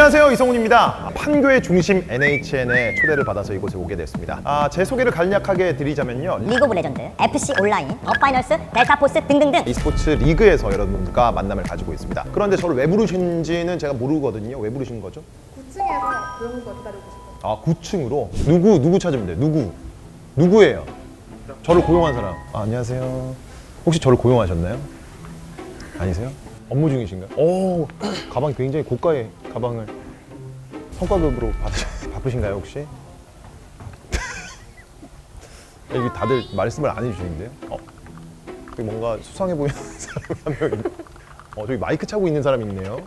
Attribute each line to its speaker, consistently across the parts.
Speaker 1: 안녕하세요, 이성훈입니다. 판교의 중심 NHN의 초대를 받아서 이곳에 오게 됐습니다. 제 소개를 간략하게 드리자면요,
Speaker 2: 리그 오브 레전드, FC 온라인, 더파이널스, 델타포스 등등등
Speaker 1: e스포츠 리그에서 여러분과 만남을 가지고 있습니다. 그런데 저를 왜 부르신지는 제가 모르거든요. 왜 부르신 거죠?
Speaker 3: 9층에서 고용고 기다리고 싶어요.
Speaker 1: 9층으로? 누구 찾으면 돼요? 누구예요? 저를 고용한 사람. 안녕하세요. 혹시 저를 고용하셨나요? 아니세요? 업무 중이신가요? 오, 가방이 굉장히 고가의 가방을 성과급으로 바쁘신가요, 혹시? 여기 다들 말씀을 안 해주시는데요? 여기 뭔가 수상해 보이는 사람이 한 명 있네. 저기 마이크 차고 있는 사람이 있네요.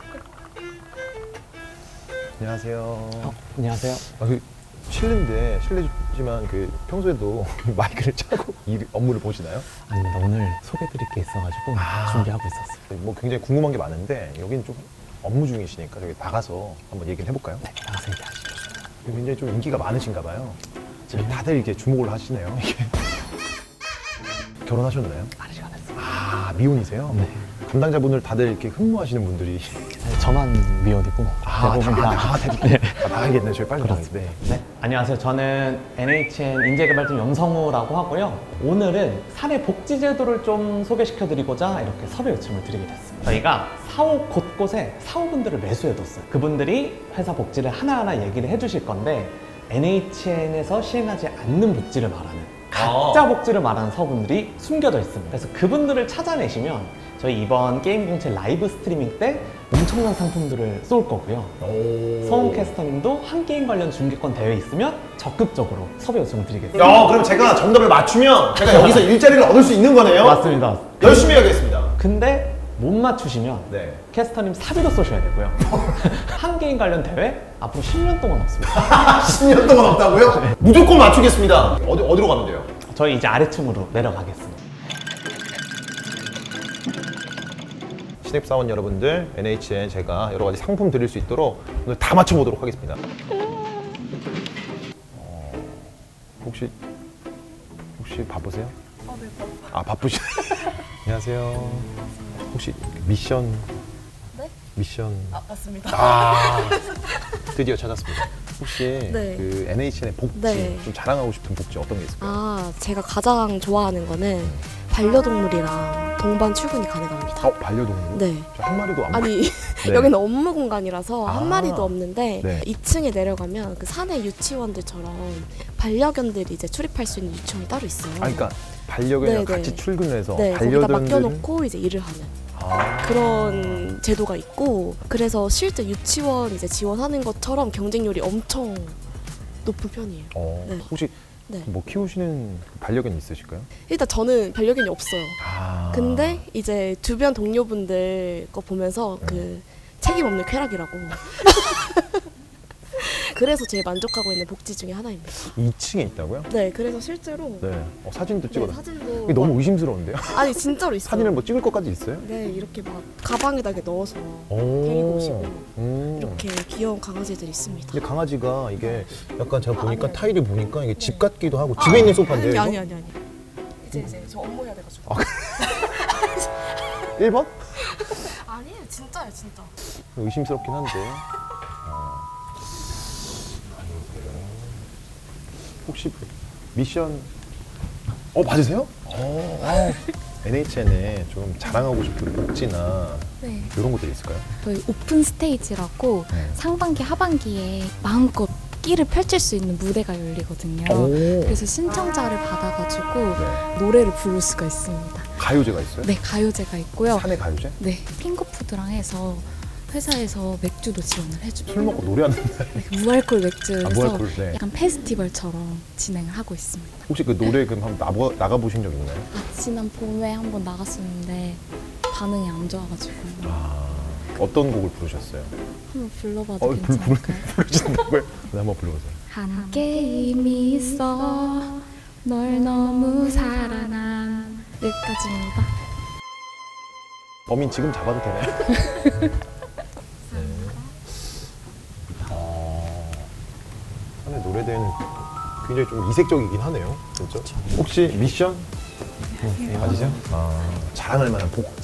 Speaker 1: 안녕하세요.
Speaker 4: 안녕하세요.
Speaker 1: 실례인데, 실례지만 평소에도 마이크를 차고 업무를 보시나요?
Speaker 4: 아닙니다. 오늘 소개드릴 게 있어가지고 준비하고 있었어요.
Speaker 1: 뭐 굉장히 궁금한 게 많은데 여기는 좀 업무 중이시니까 저기 나가서 한번 얘기를 해볼까요?
Speaker 4: 네, 나가서 얘기하시죠.
Speaker 1: 굉장히 좀 인기가 많으신가 봐요. 지금 다들 이렇게 주목을 하시네요. 이게. 결혼하셨나요?
Speaker 4: 아직 안 했어요.
Speaker 1: 미혼이세요?
Speaker 4: 네.
Speaker 1: 담당자분들 다들 이렇게 흠모하시는 분들이
Speaker 4: 저만 미혼이고 대부분 다.
Speaker 1: 나가야겠네. 저희 빨리 나가야겠네. 네.
Speaker 4: 네, 안녕하세요. 저는 NHN 인재개발팀 염성우라고 하고요. 오늘은 사내 복지 제도를 좀 소개시켜드리고자 이렇게 섭외 요청을 드리게 됐습니다. 저희가 사옥 곳곳에 사호분들을 매수해뒀어요. 그분들이 회사 복지를 하나하나 얘기를 해주실 건데 NHN에서 시행하지 않는 복지를 말하는 가짜 복지를 말하는 사호분들이 숨겨져 있습니다. 그래서 그분들을 찾아내시면 저희 이번 게임 공채 라이브 스트리밍 때 엄청난 상품들을 쏠 거고요. 성훈 캐스터님도 한 게임 관련 중계권 대회 있으면 적극적으로 섭외 요청을 드리겠습니다.
Speaker 1: 그럼 제가 정답을 맞추면 제가 여기서 일자리를 얻을 수 있는 거네요?
Speaker 4: 맞습니다.
Speaker 1: 열심히 해야겠습니다.
Speaker 4: 근데 못 맞추시면
Speaker 1: 네.
Speaker 4: 캐스터님 사비로 쏘셔야 되고요. 한 게임 관련 대회 앞으로 10년 동안 없습니다.
Speaker 1: 10년 동안 없다고요? 무조건 맞추겠습니다. 어디로 가면 돼요?
Speaker 4: 저희 이제 아래층으로 내려가겠습니다.
Speaker 1: 신입사원 여러분들, NHN 제가 여러 가지 상품 드릴 수 있도록 오늘 다 맞춰보도록 하겠습니다. 혹시 바쁘세요?
Speaker 3: 네, 바빠요.
Speaker 1: 바쁘시. 안녕하세요. 혹시 미션?
Speaker 3: 네?
Speaker 1: 미션.
Speaker 3: 맞습니다.
Speaker 1: 드디어 찾았습니다. 혹시
Speaker 5: 네.
Speaker 1: 그 NHN의 복지,
Speaker 5: 네.
Speaker 1: 좀 자랑하고 싶은 복지 어떤 게 있을까요?
Speaker 5: 제가 가장 좋아하는 거는 반려동물이랑 동반 출근이 가능합니다.
Speaker 1: 반려동물?
Speaker 5: 네.
Speaker 1: 저 한 마리도 안
Speaker 5: 아니,
Speaker 1: 네.
Speaker 5: 여기는 업무 공간이라서
Speaker 1: 아.
Speaker 5: 한 마리도 없는데
Speaker 1: 네.
Speaker 5: 2층에 내려가면 그 사내 유치원들처럼 반려견들이 이제 출입할 수 있는 유치원이 따로 있어요.
Speaker 1: 그러니까 반려견이랑
Speaker 5: 네,
Speaker 1: 같이
Speaker 5: 네.
Speaker 1: 출근을 해서
Speaker 5: 네, 거기다
Speaker 1: 반려견들은
Speaker 5: 맡겨놓고 이제 일을 하는 그런 제도가 있고, 그래서 실제 유치원 이제 지원하는 것처럼 경쟁률이 엄청 높은 편이에요. 네.
Speaker 1: 혹시
Speaker 5: 네.
Speaker 1: 뭐 키우시는 반려견 있으실까요?
Speaker 5: 일단 저는 반려견이 없어요.
Speaker 1: 아.
Speaker 5: 근데 이제 주변 동료분들 거 보면서 그 책임 없는 쾌락이라고. 그래서 제일 만족하고 있는 복지 중에 하나입니다.
Speaker 1: 2층에 있다고요?
Speaker 5: 네, 그래서 실제로
Speaker 1: 네. 사진도
Speaker 5: 네,
Speaker 1: 찍어놨어요.
Speaker 5: 사진도
Speaker 1: 이게 너무
Speaker 5: 막-
Speaker 1: 의심스러운데요?
Speaker 5: 아니 진짜로 있어요.
Speaker 1: 사진을 뭐 찍을 것까지 있어요?
Speaker 5: 네, 이렇게 막 가방에다 이렇게 넣어서
Speaker 1: 오.
Speaker 5: 데리고 오시고
Speaker 1: 음.
Speaker 5: 이렇게 귀여운 강아지들이 있습니다.
Speaker 1: 근데 강아지가 이게 약간 제가 보니까
Speaker 5: 아니요.
Speaker 1: 타일을 보니까 이게 집 같기도 하고 집에 있는 소파인데요.
Speaker 5: 아니,
Speaker 1: 이거?
Speaker 5: 아니. 이제 저 업무 해야 돼가지고.
Speaker 1: 1번?
Speaker 5: 아니에요, 진짜요, 진짜.
Speaker 1: 의심스럽긴 한데. 혹시 미션 맞으세요? NHN에 좀 자랑하고 싶은 복지나
Speaker 6: 네,
Speaker 1: 이런 것들이 있을까요?
Speaker 6: 저희 오픈 스테이지라고
Speaker 1: 네.
Speaker 6: 상반기, 하반기에 마음껏 끼를 펼칠 수 있는 무대가 열리거든요. 그래서 신청자를 받아가지고
Speaker 1: 네.
Speaker 6: 노래를 부를 수가 있습니다.
Speaker 1: 가요제가 있어요?
Speaker 6: 네, 가요제가 있고요.
Speaker 1: 사내 가요제?
Speaker 6: 네, 핑거푸드랑 해서 회사에서 맥주도 지원을 해주고
Speaker 1: 술 먹고 노래하는 날
Speaker 6: 무알콜 맥주에서
Speaker 1: 무알콜, 네.
Speaker 6: 약간 페스티벌처럼 진행을 하고 있습니다.
Speaker 1: 혹시 그 노래 한번 나가보신 적 있나요?
Speaker 6: 지난 봄에 한번 나갔었는데 반응이 안 좋아가지고
Speaker 1: 어떤 곡을 부르셨어요?
Speaker 6: 한번 불러봐도 괜찮을까요?
Speaker 1: 부르신다고요? 네, 한번 불러보세요.
Speaker 6: 한 게임이 있어 널 너무 사랑한 여기까지입니다.
Speaker 1: 범인 지금 잡아도 되나요? 사내 노래대회는 굉장히 좀 이색적이긴 하네요. 진짜. 혹시 미션? 맞으세요? 자랑할 만한 복지.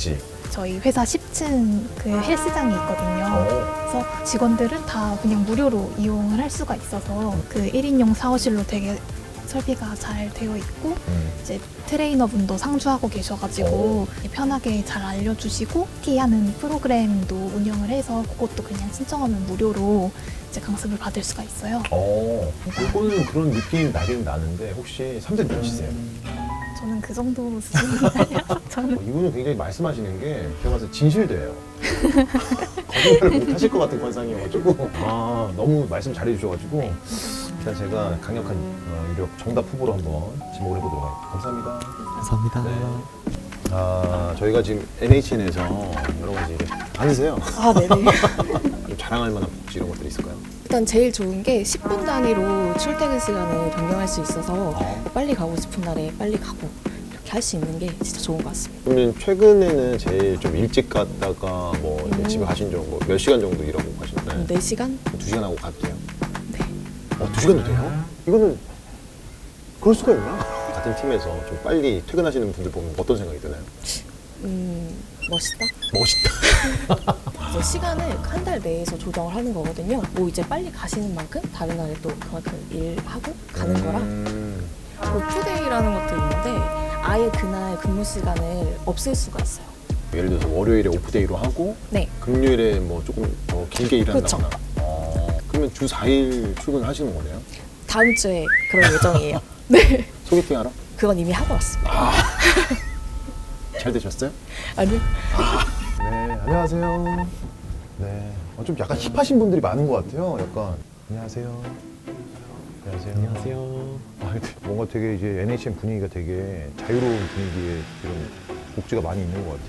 Speaker 3: 저희 회사 10층 그 헬스장이 있거든요. 그래서 직원들은 다 그냥 무료로 이용을 할 수가 있어서 그 1인용 샤워실로 되게 설비가 잘 되어 있고 이제 트레이너분도 상주하고 계셔가지고 편하게 잘 알려주시고 PT하는 프로그램도 운영을 해서 그것도 그냥 신청하면 무료로 이제 강습을 받을 수가 있어요.
Speaker 1: 이거는 그런 느낌이 나긴 나는데 혹시 3세 몇이세요?
Speaker 3: 저는 그 정도 수준이에요. 저는
Speaker 1: 이분은 굉장히 말씀하시는 게 제가 봤을 때 진실돼요. 거짓말을 못 하실 것 같은 관상이어가지고 너무 말씀 잘해주셔가지고 일단 제가 강력한 유력 정답 후보로 한번 지목을 해보도록 하겠습니다. 감사합니다.
Speaker 4: 감사합니다.
Speaker 1: 저희가 지금 NHN에서 여러 가지 많으세요.
Speaker 5: 네네.
Speaker 1: 좀 자랑할 만한 복지 이런 것들이 있을까요?
Speaker 5: 일단 제일 좋은 게 10분 단위로 출퇴근 시간을 변경할 수 있어서 빨리 가고 싶은 날에 빨리 가고 이렇게 할 수 있는 게 진짜 좋은 것 같습니다.
Speaker 1: 그러면 최근에는 제일 좀 일찍 갔다가 뭐 이제 집에 가신 정도 몇 시간 정도 일하고 가셨나요?
Speaker 5: 4시간?
Speaker 1: 2시간 하고 가도 돼요?
Speaker 5: 네.
Speaker 1: 2시간도 돼요? 이거는 그럴 수가 있나? 같은 팀에서 좀 빨리 퇴근하시는 분들 보면 어떤 생각이 드나요?
Speaker 5: 멋있다?
Speaker 1: 멋있다.
Speaker 5: 이제 시간을 한 달 내에서 조정을 하는 거거든요. 뭐 이제 빨리 가시는 만큼 다른 날에 또 그만큼 일하고 가는 거라. 오프데이라는 것도 있는데 아예 그날 근무 시간을 없앨 수가 있어요.
Speaker 1: 예를 들어서 월요일에 오프데이로 하고
Speaker 5: 네.
Speaker 1: 금요일에 뭐 조금 더 길게 일한다거나 그러면 주 4일 출근하시는 거네요?
Speaker 5: 다음 주에 그럴 예정이에요. 네.
Speaker 1: 소개팅 하러?
Speaker 5: 그건 이미 하고 왔습니다.
Speaker 1: 잘 되셨어요?
Speaker 5: 아니요.
Speaker 1: 네, 안녕하세요. 네, 좀 약간 힙하신 분들이 많은 것 같아요. 약간 안녕하세요. 안녕하세요.
Speaker 4: 안녕하세요.
Speaker 1: 근데 뭔가 되게 이제 NHN 분위기가 되게 자유로운 분위기에 이런 복지가 많이 있는 것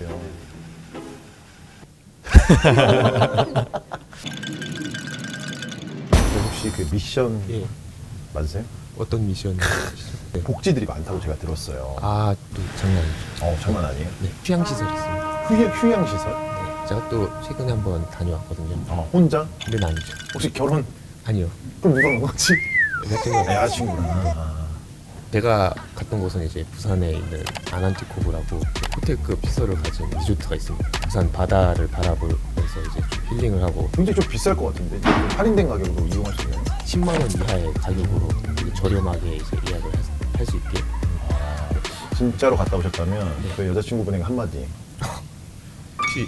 Speaker 1: 같아요. 혹시 그 미션
Speaker 7: 예.
Speaker 1: 맞으세요?
Speaker 7: 어떤 미션? 네.
Speaker 1: 복지들이 많다고 제가 들었어요.
Speaker 7: 아, 또 장난 아니죠.
Speaker 1: 장난 아니에요?
Speaker 7: 네, 휴양시설 있습니다.
Speaker 1: 휴양시설?
Speaker 7: 네, 제가 또 최근에 한번 다녀왔거든요.
Speaker 1: 혼자?
Speaker 7: 근데 아니죠.
Speaker 1: 혹시 결혼?
Speaker 7: 아니요.
Speaker 1: 그럼 누가 간 거지?
Speaker 7: 여자친구가
Speaker 1: 여자친구구나.
Speaker 7: 제가 갔던 곳은 이제 부산에 있는 아난티코브라고 호텔급 시설을 가진 리조트가 있습니다. 부산 바다를 바라보면서 이제 좀 힐링을 하고
Speaker 1: 굉장히 좀 비쌀 것 같은데 할인된 가격으로 이용할 수 있나요?
Speaker 7: 10만 원 이하의 가격으로 되게 저렴하게 이제 예약을 할 수 있게.
Speaker 1: 진짜로 갔다 오셨다면 그 여자친구분에게 한마디.
Speaker 7: 혹시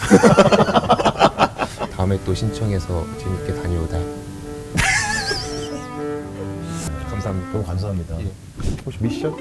Speaker 7: 다음에 또 신청해서 재밌게 다녀오다. 감사합니다.
Speaker 1: 너무 감사합니다.
Speaker 7: 예.
Speaker 1: 혹시 미션?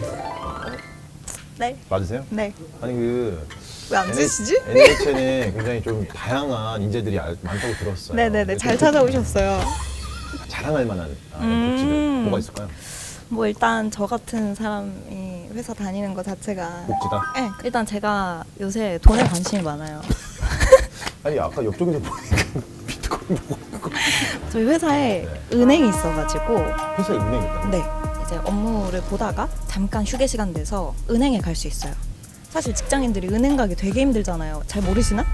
Speaker 3: 네.
Speaker 1: 맞으세요?
Speaker 3: 네.
Speaker 1: 아니 그
Speaker 3: 왜 안 주시지?
Speaker 1: NHN에 굉장히 좀 다양한 인재들이 많다고 들었어요.
Speaker 3: 네네네. 잘 찾아오셨어요.
Speaker 1: 자랑할 만한 복지들 뭐가 있을까요?
Speaker 8: 뭐 일단 저 같은 사람이 회사 다니는 것 자체가
Speaker 1: 복지다?
Speaker 8: 네, 일단 제가 요새 돈에 관심이 많아요.
Speaker 1: 아니 아까 옆쪽에서 보니까 비트코인 보고
Speaker 8: 저희 회사에
Speaker 1: 네.
Speaker 8: 은행이 있어가지고
Speaker 1: 회사에 은행이 있다.
Speaker 8: 네 이제 업무를 보다가 잠깐 휴게 시간 돼서 은행에 갈 수 있어요. 사실 직장인들이 은행 가기 되게 힘들잖아요. 잘 모르시나?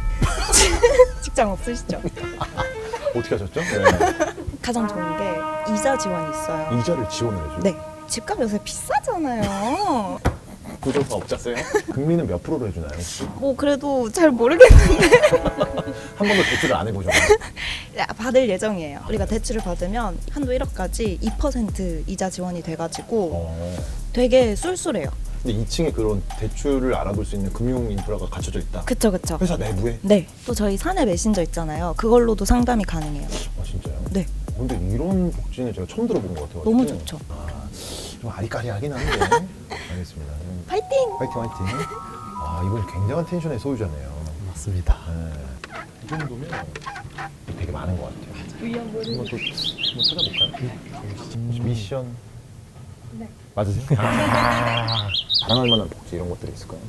Speaker 8: 직장 없으시죠?
Speaker 1: 어떻게 하셨죠?
Speaker 8: 가장 좋은 게 이자 지원이 있어요.
Speaker 1: 이자를 지원을 해줘요?
Speaker 8: 네. 집값 요새 비싸잖아요.
Speaker 1: 구조사 업자세요? 금리는 몇 프로로 해주나요? 혹시?
Speaker 8: 뭐 그래도 잘 모르겠는데
Speaker 1: 한 번도 대출을 안 해보셨나요?
Speaker 8: 받을 예정이에요. 우리가 대출을 받으면 한도 1억까지 2% 이자 지원이 돼가지고 되게 쏠쏠해요.
Speaker 1: 근데 2층에 그런 대출을 알아볼 수 있는 금융 인프라가 갖춰져 있다?
Speaker 8: 그쵸 그쵸.
Speaker 1: 회사 내부에?
Speaker 8: 네. 또 저희 사내 메신저 있잖아요. 그걸로도 상담이 가능해요.
Speaker 1: 아 진짜요?
Speaker 8: 네.
Speaker 1: 근데 이런 복지는 제가 처음 들어본 것 같아요.
Speaker 8: 너무 좋죠.
Speaker 1: 좀 아리까리하긴 한데 알겠습니다.
Speaker 8: 파이팅!
Speaker 1: 화이팅 화이팅. 이분 굉장한 텐션의 소유자네요.
Speaker 7: 맞습니다.
Speaker 1: 네. 이 정도면 되게 많은 것 같아요. 한번 또 한번 찾아볼까요? 혹시 미션? 네. 맞으세요? 자랑할 만한 복지 이런 것들이 있을까요?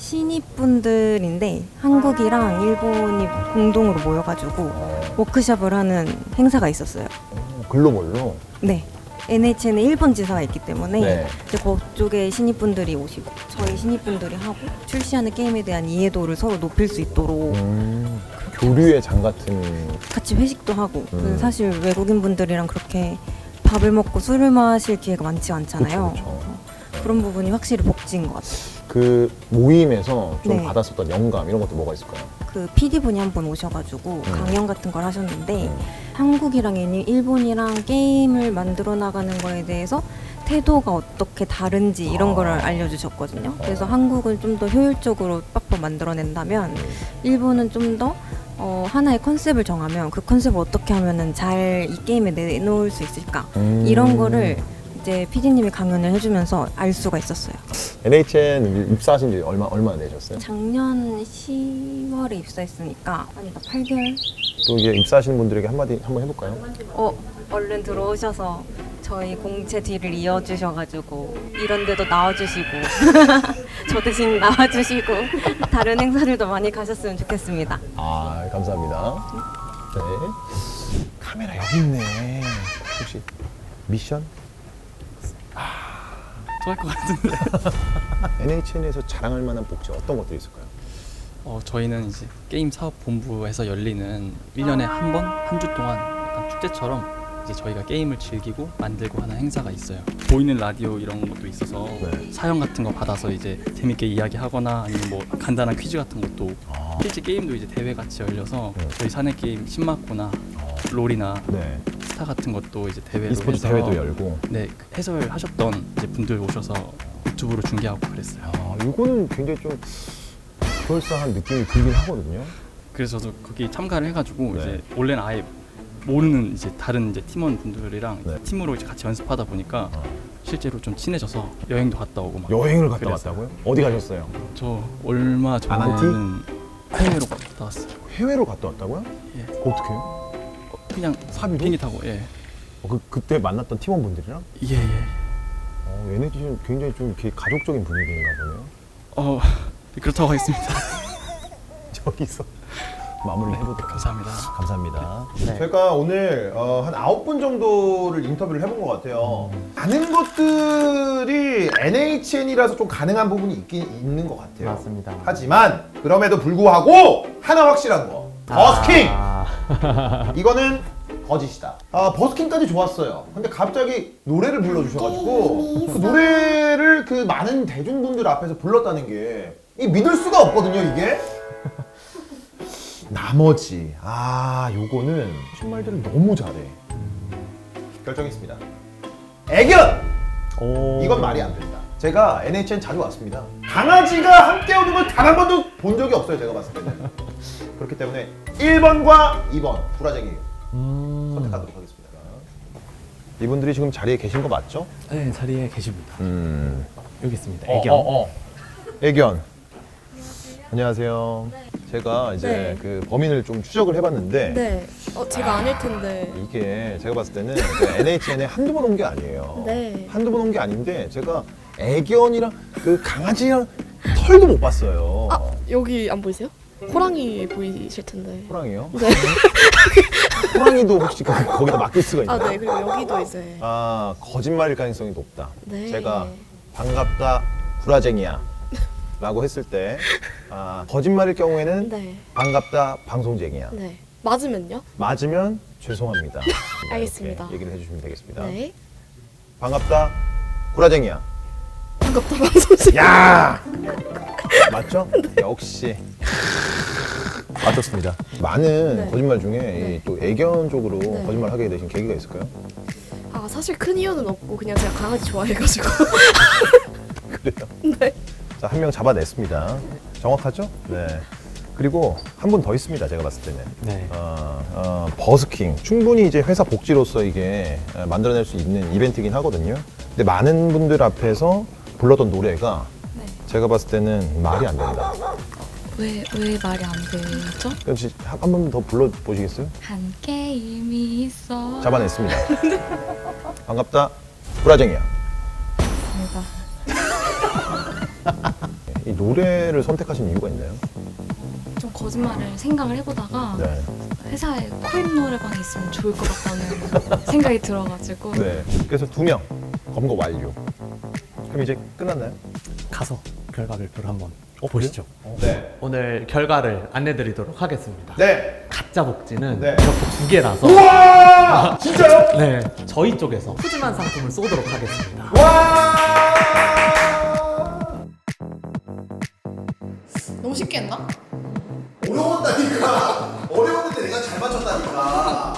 Speaker 9: 신입분들인데 한국이랑 일본이 공동으로 모여가지고 워크숍을 하는 행사가 있었어요.
Speaker 1: 글로벌로?
Speaker 9: 네. NHN에 일본 지사가 있기 때문에
Speaker 1: 네.
Speaker 9: 이제 그쪽에 신입분들이 오시고 저희 신입분들이 하고 출시하는 게임에 대한 이해도를 서로 높일 수 있도록
Speaker 1: 교류의 장 같은.
Speaker 9: 같이 회식도 하고 사실 외국인분들이랑 그렇게 밥을 먹고 술을 마실 기회가 많지 않잖아요.
Speaker 1: 그쵸.
Speaker 9: 그런 부분이 확실히 복지인 것 같아요.
Speaker 1: 그 모임에서 좀
Speaker 9: 네.
Speaker 1: 받았었던 영감 이런 것도 뭐가 있을까요?
Speaker 9: 그 PD 분이 한 번 오셔가지고 강연 같은 걸 하셨는데 한국이랑 일본이랑 게임을 만들어 나가는 거에 대해서 태도가 어떻게 다른지 이런 거를 알려주셨거든요. 그래서 한국은 좀 더 효율적으로 빡빡 만들어낸다면 일본은 좀 더 하나의 컨셉을 정하면 그 컨셉을 어떻게 하면은 잘 이 게임에 내놓을 수 있을까 이런 거를 이제 PD님이 강연을 해주면서 알 수가 있었어요.
Speaker 1: NHN 입사하신 지 얼마나 되셨어요?
Speaker 9: 작년 10월에 입사했으니까 아니다 8개월.
Speaker 1: 또 이게 입사하시는 분들에게 한마디 한번 해볼까요?
Speaker 9: 얼른 들어오셔서 저희 공채 뒤를 이어주셔가지고 이런 데도 나와주시고 저 대신 나와주시고 다른 행사들도 많이 가셨으면 좋겠습니다.
Speaker 1: 아, 감사합니다. 네. 카메라 여기 있네. 혹시 미션?
Speaker 10: 좋아할 것 같은데.
Speaker 1: NHN에서 자랑할 만한 복지 어떤 것들이 있을까요?
Speaker 10: 저희는 이제 게임 사업 본부에서 열리는 1년에 한 번, 한 주 동안 약간 축제처럼 이제 저희가 게임을 즐기고 만들고 하는 행사가 있어요. 보이는 라디오 이런 것도 있어서
Speaker 1: 네.
Speaker 10: 사연 같은 거 받아서 이제 재밌게 이야기하거나 아니면 뭐 간단한 퀴즈 같은 것도 실제 게임도 이제 대회 같이 열려서 저희 사내 게임 신마코나 롤이나
Speaker 1: 네.
Speaker 10: 스타 같은 것도 이제 대회로
Speaker 1: e스포츠
Speaker 10: 해서
Speaker 1: 대회도 열고.
Speaker 10: 네, 해설하셨던 이제 분들 오셔서 유튜브로 중계하고 그랬어요.
Speaker 1: 아, 이거는 굉장히 좀 그럴싸한 느낌이 들긴 하거든요.
Speaker 10: 그래서 저도 거기 참가를 해가지고
Speaker 1: 네.
Speaker 10: 이제 원래는 아예 모르는 이제 다른 이제 팀원 분들이랑
Speaker 1: 네.
Speaker 10: 팀으로 이제 같이 연습하다 보니까 실제로 좀 친해져서 여행도 갔다 오고 막
Speaker 1: 여행을 갔다
Speaker 10: 그랬어요.
Speaker 1: 왔다고요? 어디 가셨어요?
Speaker 10: 저 얼마 전에는 해외로 갔다 왔어요.
Speaker 1: 해외로 갔다 왔다고요?
Speaker 10: 예.
Speaker 1: 어떻게 해요?
Speaker 10: 그냥
Speaker 1: 사비로?
Speaker 10: 비행기 타고 예.
Speaker 1: 그때 만났던 팀원분들이랑?
Speaker 10: 예.
Speaker 1: NHN 굉장히 좀 이렇게 가족적인 분위기인가 보네요.
Speaker 10: 그렇다고 하겠습니다.
Speaker 1: 저기서 마무리를 해보도록
Speaker 10: 감사합니다.
Speaker 1: 감사합니다.
Speaker 4: 네.
Speaker 1: 저희가 오늘 한 9분 정도를 인터뷰를 해본 것 같아요. 많은 것들이 NHN이라서 좀 가능한 부분이 있는 것 같아요.
Speaker 4: 맞습니다.
Speaker 1: 하지만 그럼에도 불구하고 하나 확실한 거. 버스킹! 이거는 거짓이다. 버스킹까지 좋았어요. 근데 갑자기 노래를 불러주셔가지고 그 노래를 그 많은 대중분들 앞에서 불렀다는 게 이 믿을 수가 없거든요, 이게. 나머지 요거는 정말들을 너무 잘해. 결정했습니다. 애견! 이건 말이 안 된다. 제가 NHN 자주 왔습니다. 강아지가 함께 오는 걸 단 한 번도 본 적이 없어요, 제가 봤을 때는. 그렇기 때문에 1번과 2번 구라쟁이 선택하도록 하겠습니다. 이분들이 지금 자리에 계신 거 맞죠?
Speaker 4: 네, 자리에 계십니다. 여기 있습니다.
Speaker 1: 애견. 안녕하세요. 제가 이제
Speaker 11: 네.
Speaker 1: 그 범인을 좀 추적을 해봤는데
Speaker 11: 네. 제가 아닐 텐데.
Speaker 1: 이게 제가 봤을 때는 그 NHN에 한두 번 온 게 아니에요.
Speaker 11: 네.
Speaker 1: 한두 번 온 게 아닌데 제가 애견이랑 그 강아지랑 털도 못 봤어요.
Speaker 11: 여기 안 보이세요? 호랑이 보이실 텐데.
Speaker 1: 호랑이요?
Speaker 11: 네.
Speaker 1: 호랑이도 혹시 거기다 맡길 수가 있나요?
Speaker 11: 네. 그리고 여기도 이제.
Speaker 1: 거짓말일 가능성이 높다.
Speaker 11: 네.
Speaker 1: 제가 반갑다 구라쟁이야 라고 했을 때 거짓말일 경우에는
Speaker 11: 네.
Speaker 1: 반갑다 방송쟁이야.
Speaker 11: 네. 맞으면요?
Speaker 1: 맞으면 죄송합니다.
Speaker 11: 알겠습니다.
Speaker 1: 이렇게 얘기를 해주시면 되겠습니다.
Speaker 11: 네.
Speaker 1: 반갑다 구라쟁이야.
Speaker 11: 반갑다 방송쟁이.
Speaker 1: 야! 맞죠? 역시 맞췄습니다. 많은
Speaker 11: 네.
Speaker 1: 거짓말 중에
Speaker 11: 네.
Speaker 1: 이 또 애견 쪽으로
Speaker 11: 네.
Speaker 1: 거짓말 하게 되신 계기가 있을까요?
Speaker 11: 사실 큰 이유는 없고 그냥 제가 강아지 좋아해가지고.
Speaker 1: 그래요?
Speaker 11: 네.
Speaker 1: 자, 한 명 잡아냈습니다. 정확하죠? 네. 그리고 한 분 더 있습니다. 제가 봤을 때는.
Speaker 4: 네.
Speaker 1: 버스킹. 충분히 이제 회사 복지로서 이게 만들어낼 수 있는 이벤트이긴 하거든요. 근데 많은 분들 앞에서 불렀던 노래가 제가 봤을 때는 말이 안 된다.
Speaker 6: 왜 말이 안 되죠?
Speaker 1: 혹시 한 번 더 불러보시겠어요?
Speaker 6: 한 게임이 있어.
Speaker 1: 잡아냈습니다. 반갑다. 구라쟁이야. 이 노래를 선택하신 이유가 있나요?
Speaker 6: 좀 거짓말을 생각을 해보다가
Speaker 1: 네.
Speaker 6: 회사에 코인 노래방이 있으면 좋을 것 같다는 생각이 들어가지고
Speaker 1: 네. 그래서 2명 검거 완료. 그럼 이제 끝났나요?
Speaker 4: 가서 결과 발표를 한번 보시죠.
Speaker 1: 네.
Speaker 4: 오늘 결과를 안내드리도록 하겠습니다.
Speaker 1: 네.
Speaker 4: 가짜 복지는
Speaker 1: 네.
Speaker 4: 이렇게 2개라서
Speaker 1: 우와! 진짜요?
Speaker 4: 네, 저희 쪽에서 푸짐한 상품을 쏘도록 하겠습니다.
Speaker 1: 와!
Speaker 11: 너무 쉽게 했나?
Speaker 12: 어려웠다니까. 어려웠는데 내가 잘 맞췄다니까.